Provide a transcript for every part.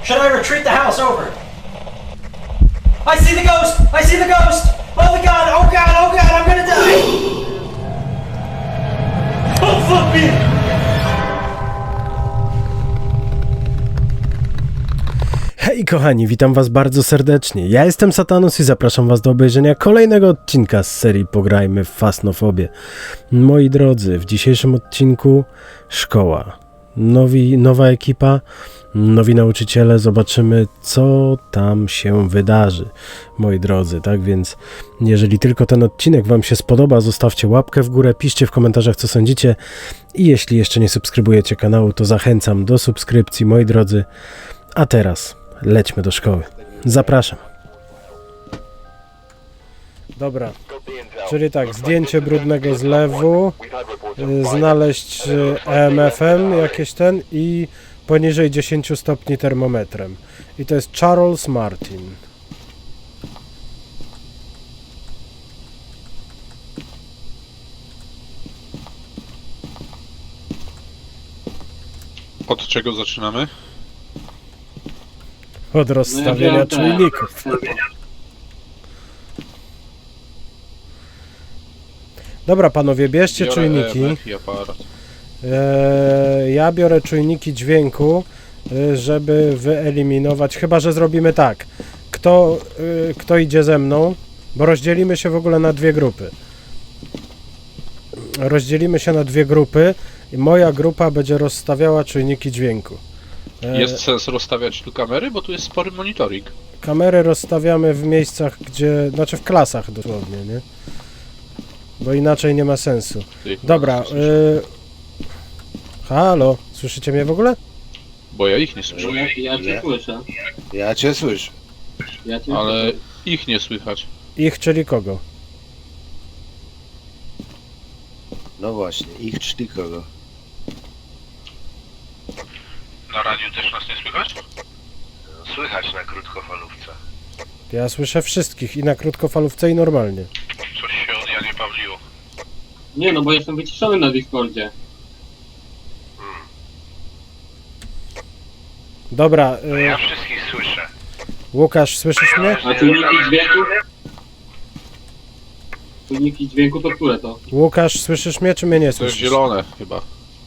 Should I retreat the house over? I see the ghost! I see the ghost! Oh my god! Oh god! Oh god! I'm gonna die! Oh fuck me! Hej kochani, witam was bardzo serdecznie. Ja jestem Satanus i zapraszam was do obejrzenia kolejnego odcinka z serii Pograjmy w Fasnofobię. Moi drodzy, w dzisiejszym odcinku szkoła. Nowa ekipa, nowi nauczyciele, zobaczymy co tam się wydarzy. Moi drodzy, tak więc jeżeli tylko ten odcinek wam się spodoba, zostawcie łapkę w górę, piszcie w komentarzach co sądzicie i jeśli jeszcze nie subskrybujecie kanału, to zachęcam do subskrypcji, moi drodzy. A teraz lećmy do szkoły. Zapraszam. Dobra, czyli tak, zdjęcie brudnego zlewu, znaleźć EMF-em jakieś i poniżej 10 stopni termometrem. I to jest Charles Martin. Od czego zaczynamy? Od rozstawienia czujników. Dobra panowie, bierzcie Biorę czujniki. EMF i aparat. Ja biorę czujniki dźwięku, żeby wyeliminować, chyba że zrobimy tak. Kto idzie ze mną, bo rozdzielimy się w ogóle na dwie grupy. Rozdzielimy się na dwie grupy i moja grupa będzie rozstawiała czujniki dźwięku. Jest sens rozstawiać tu kamery, bo tu jest spory monitoring. Kamery rozstawiamy w miejscach, gdzie, znaczy w klasach dosłownie, nie? Bo inaczej nie ma sensu. Ty, Dobra, słyszę. halo, słyszycie mnie w ogóle? Bo ja ich nie słyszę. Ja cię słyszę. Ja cię słyszę. Ja cię Ale słyszę. ich nie słychać. Ich, czyli kogo? No właśnie, ich czyli kogo? Na radiu też nas nie słychać? Słychać na krótkofalówce. Ja słyszę wszystkich i na krótkofalówce i normalnie. Coś się od Janie Pawliło. Nie no, bo jestem wyciszony na Discordzie. Dobra, Ja wszystkich słyszę. Łukasz, słyszysz mnie? A czujniki dźwięku? Czujniki dźwięku to które to? Łukasz, słyszysz mnie, czy mnie nie To jest słyszysz? zielone chyba.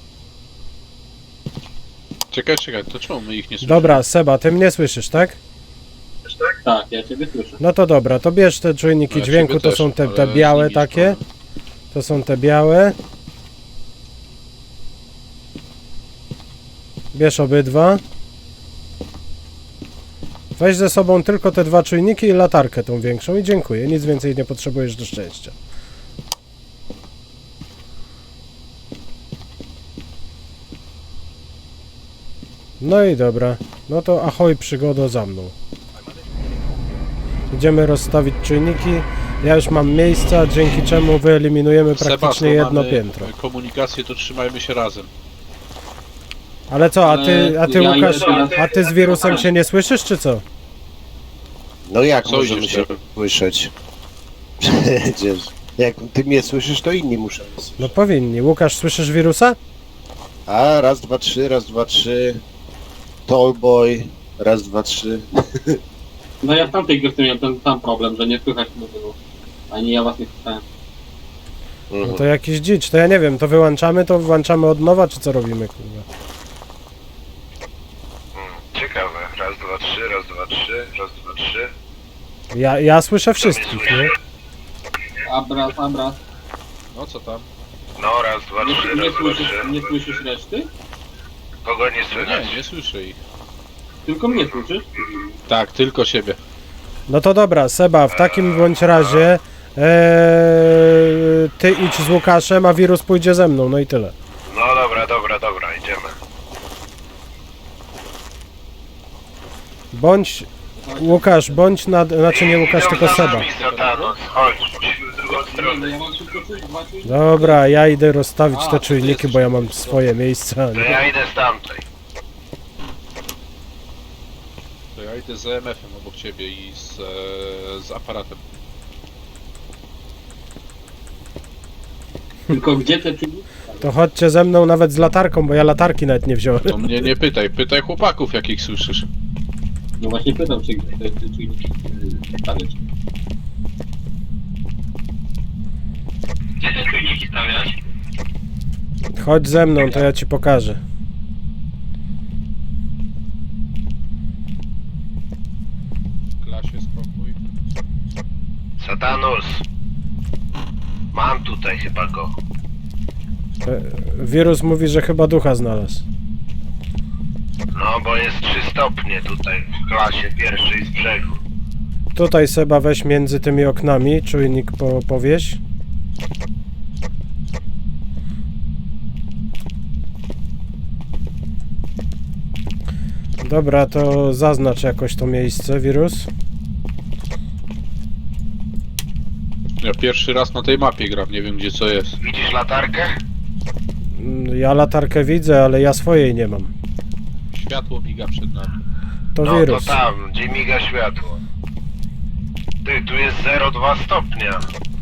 Czekaj, to czemu my ich nie słyszymy? Dobra, Seba, ty mnie słyszysz, tak? Tak, ja ciebie słyszę. No to dobra, to bierz te czujniki No ja dźwięku, ciebie to też, są te ale białe z nimi takie. To są te białe. Bierz obydwa. Weź ze sobą tylko te dwa czujniki i latarkę tą większą i dziękuję. Nic więcej nie potrzebujesz do szczęścia. No i dobra. No to ahoj przygodo za mną. Idziemy rozstawić czujniki. Ja już mam miejsca, dzięki czemu wyeliminujemy praktycznie Seba, jedno mamy piętro. komunikację, to trzymajmy się razem. Ale co, a ty Ja Łukasz, idę- a ty z wirusem się nie słyszysz, czy co? No jak Co możemy idziesz się teraz? słyszeć? Przecież jak ty mnie słyszysz, to inni muszą słyszeć. No powinni. Łukasz, słyszysz wirusa? A, raz, dwa, trzy, raz, dwa, trzy. Tallboy, raz, dwa, trzy. No ja w tamtej grze miałem ten sam problem, że nie słychać mówiło. Ani ja was nie słyszałem. No to jakiś dzicz, to ja nie wiem, to włączamy od nowa, czy co robimy, kurwa? Ciekawe. Raz, dwa, trzy, raz, dwa, trzy, raz, dwa, trzy. Ja słyszę wszystkich, nie? Abras. No co tam? No, raz, dwa, trzy, raz, dwa, trzy. Nie słyszysz reszty? Kogo nie No słychać? nie słyszę ich. Tylko mnie słyszysz? Tak, tylko siebie. No to dobra, Seba, w takim bądź razie ty idź z Łukaszem, a wirus pójdzie ze mną, no i tyle. No dobra, idziemy. Bądź, Łukasz, bądź znaczy nie Łukasz, tylko Seba. Satanus, chodź. W drugą Nie, no ja mam tylko dwa czujniki. Dobra, ja idę rozstawić te czujniki, bo ja mam swoje miejsca, nie? Ja idę z tamtej. To ja idę z EMF-em obok ciebie i z aparatem. Tylko gdzie te czujniki? To chodźcie ze mną nawet z latarką, bo ja latarki nawet nie wziąłem. To mnie nie pytaj, pytaj chłopaków, jakich słyszysz. No właśnie pytam się, gdzie te czujniki stawiać. Gdzie te czujniki stawiać? Chodź ze mną, to ja ci pokażę. W klasie spokój. Satanus! Mam tutaj chyba go. Wirus mówi, że chyba ducha znalazł. No, bo jest 3 stopnie tutaj w klasie pierwszej z brzegu. Tutaj Seba weź między tymi oknami, czujnik powieś. Dobra, to zaznacz jakoś to miejsce, wirus. Ja pierwszy raz na tej mapie gram, nie wiem gdzie co jest. Widzisz latarkę? Ja latarkę widzę, ale ja swojej nie mam. Światło miga przed nami. To No wirus. to tam, gdzie miga światło. Ty, tu jest 0,2 stopnia.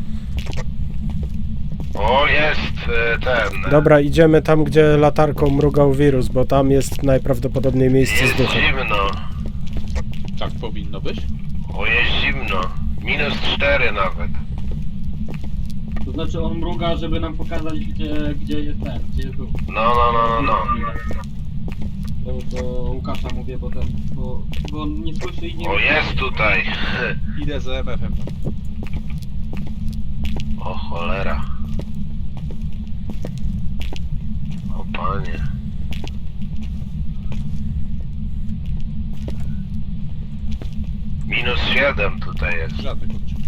O, jest ten. Dobra, idziemy tam, gdzie latarką mrugał wirus, bo tam jest najprawdopodobniej miejsce z Jest duchem. zimno. Tak powinno być? O, jest zimno. -4 nawet. To znaczy on mruga, żeby nam pokazać, gdzie jest ten, gdzie jest duch. No. To Łukasza mówię, bo on nie słyszy i nie O, jest tutaj. Idę z EMF-em. O, cholera. O, panie. -7 tutaj jest. Żadnych odczuć.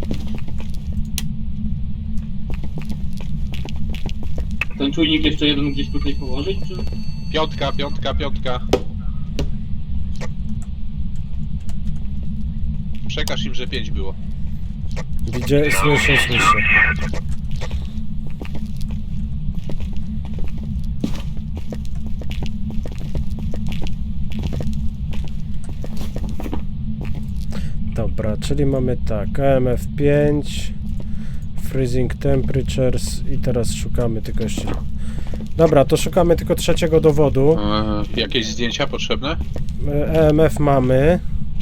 Ten czujnik jeszcze jeden gdzieś tutaj położyć, czy? Piątka. Przekaż im, że 5 było. Widzę, słyszę. Dobra, czyli mamy tak, EMF 5, Freezing Temperatures i teraz szukamy tylko jeszcze... Dobra, to szukamy tylko trzeciego dowodu. Jakieś zdjęcia potrzebne? EMF mamy.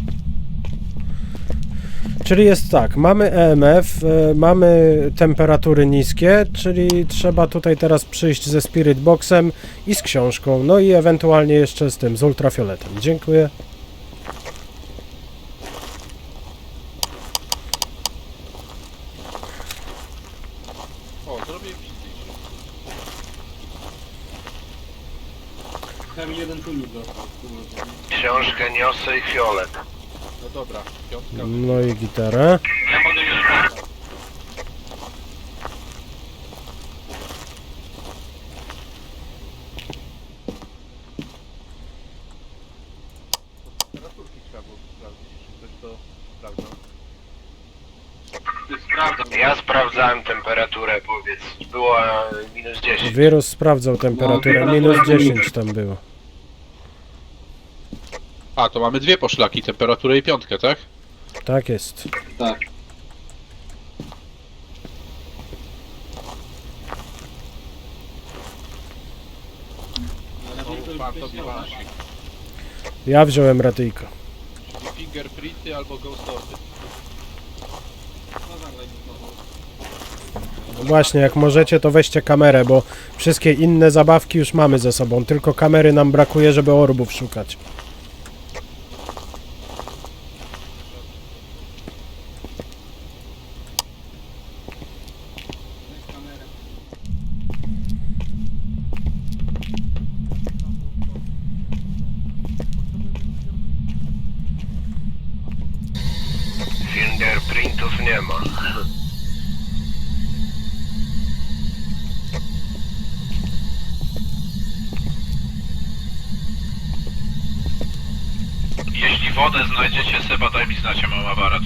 Czyli jest tak, mamy EMF, mamy temperatury niskie, czyli trzeba tutaj teraz przyjść ze Spirit Boxem i z książką, no i ewentualnie jeszcze z tym, z ultrafioletem. Dziękuję. O, zrobię im zdjęcie. Tam jeden czujnik został. Książkę niosę i fiolet. No dobra, piątka. No i gitarę. Ja mogę mieć kontakt. Temperaturki trzeba było sprawdzić, czy ktoś to sprawdzał. Sprawdzam. Ja sprawdzałem temperaturę, powiedz. Była -10. Wirus sprawdzał temperaturę, minus 10 tam było. A, to mamy dwie poszlaki, temperaturę i piątkę, tak? Tak jest. Tak. Pan tobie wasi. Ja wziąłem radyjko. Czyli fingerprinty albo ghostofy. Właśnie, jak możecie, to weźcie kamerę, bo wszystkie inne zabawki już mamy ze sobą, tylko kamery nam brakuje, żeby orbów szukać. Fingerprintów nie ma. Jeśli wodę znajdziecie, Seba, daj mi znać, ja mam aparat.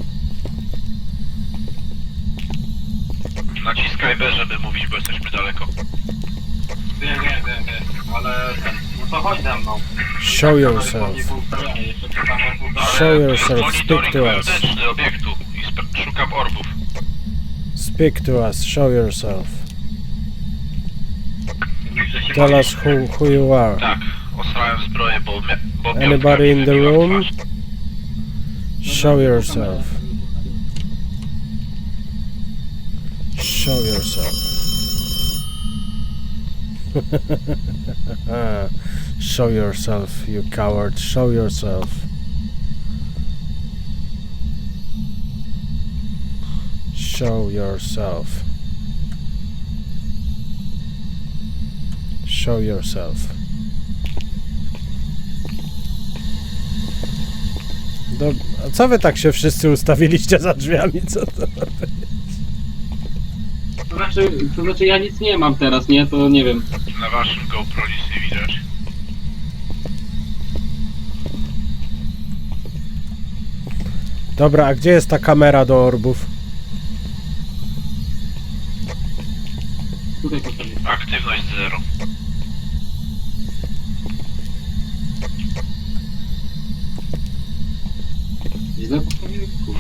Naciskaj B, żeby mówić, bo jesteśmy daleko. Wiem, ale no to chodź ze mną. Show yourself. Show yourself, speak to us. wewnętrzny obiektu i szukam orbów. Speak to us, show yourself. Tell us who you are. Tak, osrałem zbroję, bo Anybody in the room? Show yourself. Show yourself. Show yourself, you coward. Show yourself. Show yourself. Show yourself. A co wy tak się wszyscy ustawiliście za drzwiami? Co to? To znaczy ja nic nie mam teraz, nie? To nie wiem. Na waszym GoPro nic nie widać. Dobra, a gdzie jest ta kamera do orbów? Tutaj postawię. Aktywność 0. Źle postawiłem? Kurwa.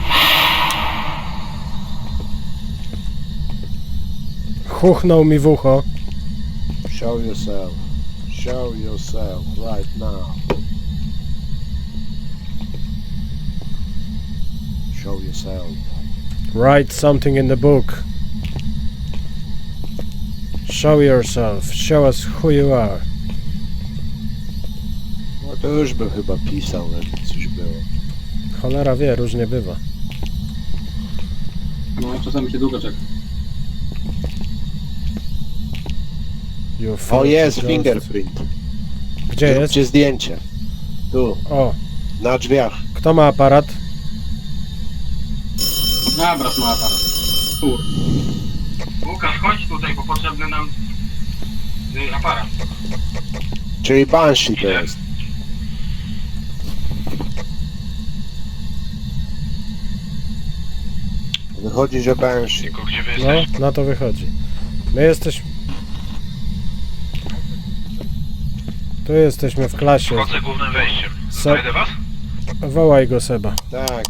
Chuchnął mi w ucho. Show yourself. Show yourself right now. Show yourself. Write something in the book. Show yourself. Show us who you are. No to już bym chyba pisał, jakby coś było. Cholera wie, różnie bywa. No, czasami się długo czeka. You O, filthy jest ghost. fingerprint. Gdzie jest? Zróbcie zdjęcie. Tu, O, na drzwiach. kto ma aparat? Dobra, ma aparat. Tur. Łukasz, chodź tutaj, bo potrzebny nam aparat. Czyli Banshee to jest. Wychodzi, że Banshee. Tylko gdzie wy No, jesteście? na to wychodzi. My jesteśmy... Tu jesteśmy w klasie. Wchodzę głównym wejściem. Znajdę was? Wołaj go, Seba. Tak.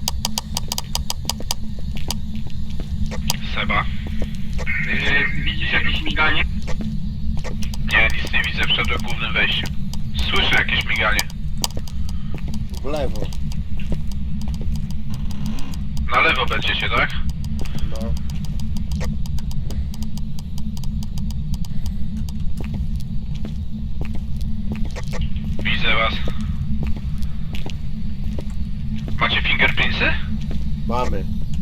Seba. Widzisz jakieś miganie? Nie, nic nie widzę, wszedłem głównym wejściem. Słyszę jakieś miganie. W lewo. Na lewo będziecie, tak? No. Widzę was. Macie fingerprintsy? Mamy.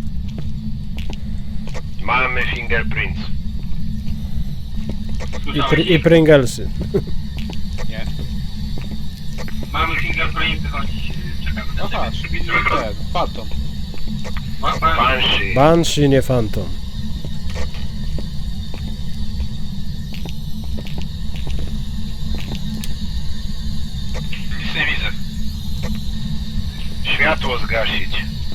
Mamy fingerprints. I Pringlesy. Nie. Mamy fingerprinty, chodź. Czekamy. Aha, ten, Phantom. Banshee. Banshee, nie Phantom. Nic nie widzę. Światło zgasić.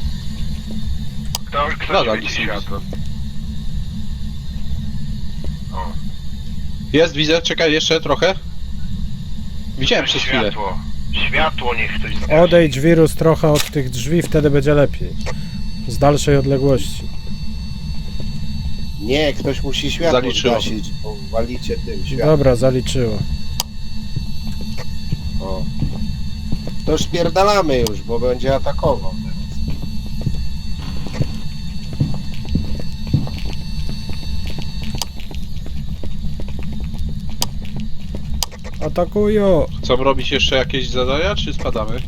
Kto Nadal nic nie widzę. Jest, widzę, czekaj jeszcze trochę. Widziałem przez chwilę. Światło niech ktoś zgasi. Odejdź wirus trochę od tych drzwi, wtedy będzie lepiej. Z dalszej odległości. Nie, ktoś musi światło Zaliczyło. zgasić, bo walicie tym światłem. Dobra, zaliczyło. O. To już spierdalamy już, bo będzie atakował teraz. Atakują! Chcą robić jeszcze jakieś zadania, czy spadamy?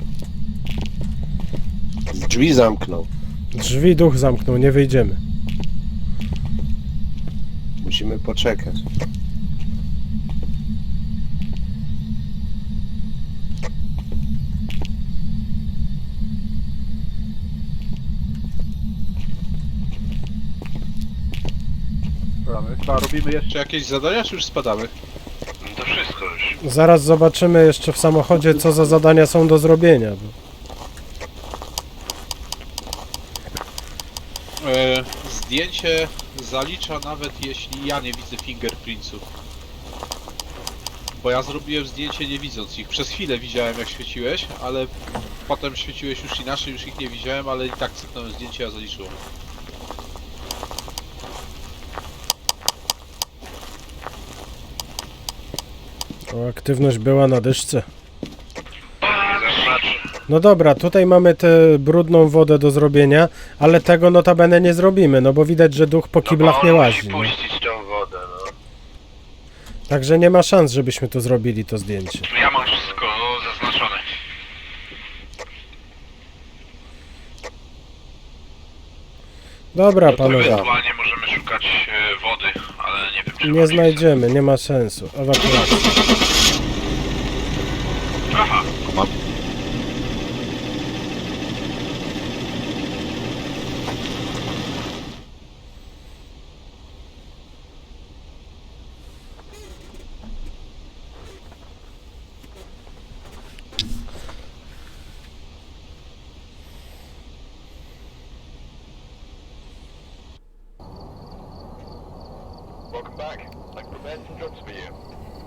Drzwi zamknął. Drzwi duch zamknął, nie wyjdziemy. Musimy poczekać. A robimy jeszcze jakieś zadania, czy już spadamy? To wszystko już. Zaraz zobaczymy jeszcze w samochodzie, co za zadania są do zrobienia. Zdjęcie zalicza nawet jeśli ja nie widzę fingerprintsów. Bo ja zrobiłem zdjęcie nie widząc ich. Przez chwilę widziałem jak świeciłeś, ale potem świeciłeś już inaczej, już ich nie widziałem, ale i tak cyknąłem zdjęcie, ja zaliczyłem. O, aktywność była na dyszce. Zaznacz. No dobra, tutaj mamy tę brudną wodę do zrobienia, ale tego notabene nie zrobimy, no bo widać, że duch po kiblach nie łazi. No. puścić tą wodę, no. Także nie ma szans, żebyśmy to zrobili, to zdjęcie. Ja mam wszystko zaznaczone. Dobra, panowie, Ewentualnie możemy szukać wody, ale nie wiem czy... nie znajdziemy, nie ma sensu. Ewakuacja. Aha, Mam. welcome back. I've prepared some jobs for you.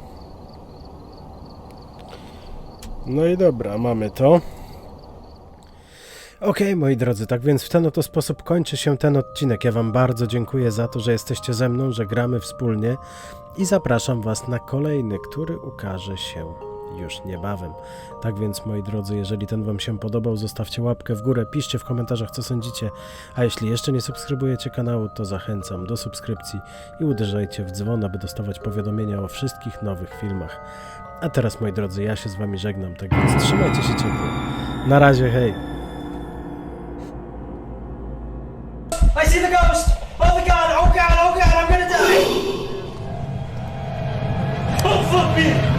No i dobra, mamy to. Okej, moi drodzy, tak więc w ten oto sposób kończy się ten odcinek. Ja wam bardzo dziękuję za to, że jesteście ze mną, że gramy wspólnie i zapraszam was na kolejny, który ukaże się już niebawem. Tak więc, moi drodzy, jeżeli ten wam się podobał, zostawcie łapkę w górę, piszcie w komentarzach, co sądzicie, a jeśli jeszcze nie subskrybujecie kanału, to zachęcam do subskrypcji i uderzajcie w dzwon, aby dostawać powiadomienia o wszystkich nowych filmach. A teraz, moi drodzy, ja się z wami żegnam, tak więc trzymajcie się ciepło. Na razie, hej! I see the ghost! Oh my god, oh god, oh god, I'm gonna die! Oh fuck me!